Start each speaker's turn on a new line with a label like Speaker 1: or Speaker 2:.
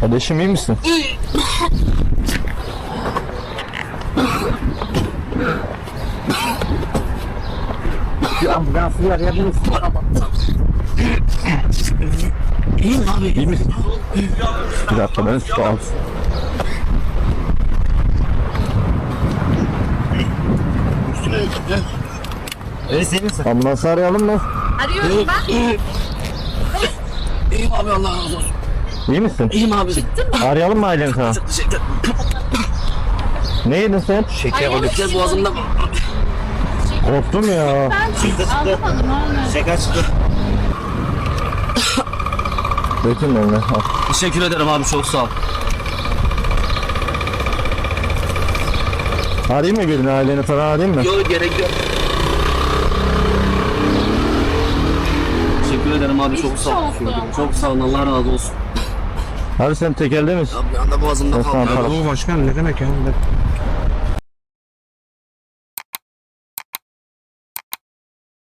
Speaker 1: Kardeşim iyi misin?
Speaker 2: Bir ambulansı arayabilir misin? İyiyim abi.
Speaker 1: İyi misin? Bir dakika ben su al.
Speaker 2: Senin
Speaker 1: Ambulansı arayalım mı?
Speaker 3: Arıyorum ben.
Speaker 2: İyiyim abi, Allah razı olsun.
Speaker 1: İyi misin?
Speaker 2: İyiyim abi.
Speaker 1: Arayalım mı aileni sana?
Speaker 2: Çok teşekkür ederim.
Speaker 1: Ne yedin sen?
Speaker 2: Şeker
Speaker 3: Ay,
Speaker 2: olacak
Speaker 3: evet.
Speaker 2: boğazımda.
Speaker 1: Korktum ya.
Speaker 3: Alamadım onu.
Speaker 2: Şeker çıktı.
Speaker 1: Bütün önüne. Al.
Speaker 2: Teşekkür ederim abi, çok sağ ol.
Speaker 1: Arayayım mı birini, aileni falan arayayım mı?
Speaker 2: Yok, gerek yok. Teşekkür ederim abi, çok sağ ol.
Speaker 3: Geçmiş olsun.
Speaker 2: Çok sağ ol, Allah razı olsun.
Speaker 1: Abi sen tekelde misin?
Speaker 2: Abi bir anda boğazımda
Speaker 1: Osman
Speaker 2: kaldı.
Speaker 1: Palas.
Speaker 4: Bu başkan ne demek ya?